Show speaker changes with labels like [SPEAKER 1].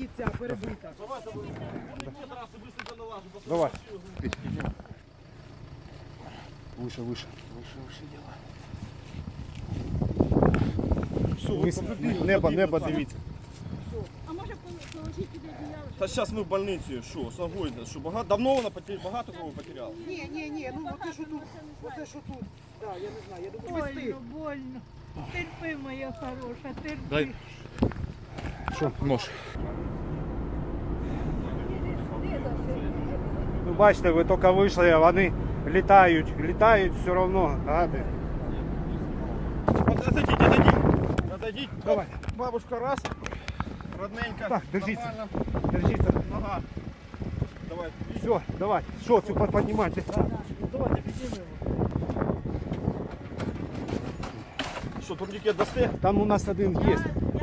[SPEAKER 1] ця перебита.
[SPEAKER 2] Давай. Выше, выше. Выше делай. Все, небо дивіться.
[SPEAKER 3] А може положити туди одіяло?
[SPEAKER 4] Та зараз ми в больниці, що, з ногою, що давно вона багато кого потеряла?
[SPEAKER 1] Ні, ну оце що тут, оце що тут. Так, я не знаю, я думаю, вести.
[SPEAKER 3] Больно, больно. Терпи, моя хороша, терпи.
[SPEAKER 2] Дай. Що, нож? Ну, бачите, ви тільки вийшли, а вони літають все одно, гади.
[SPEAKER 4] Отойдіть.
[SPEAKER 2] Давай.
[SPEAKER 4] Бабушка раз. Родненька.
[SPEAKER 2] Так, держіться.
[SPEAKER 4] Нормально.
[SPEAKER 2] Держіться.
[SPEAKER 4] Нога. Давай.
[SPEAKER 2] Все, давай. Що, цю піднімайте.
[SPEAKER 4] Давайте піднімемо. Що, турнікет дасте?
[SPEAKER 2] Там у нас один є.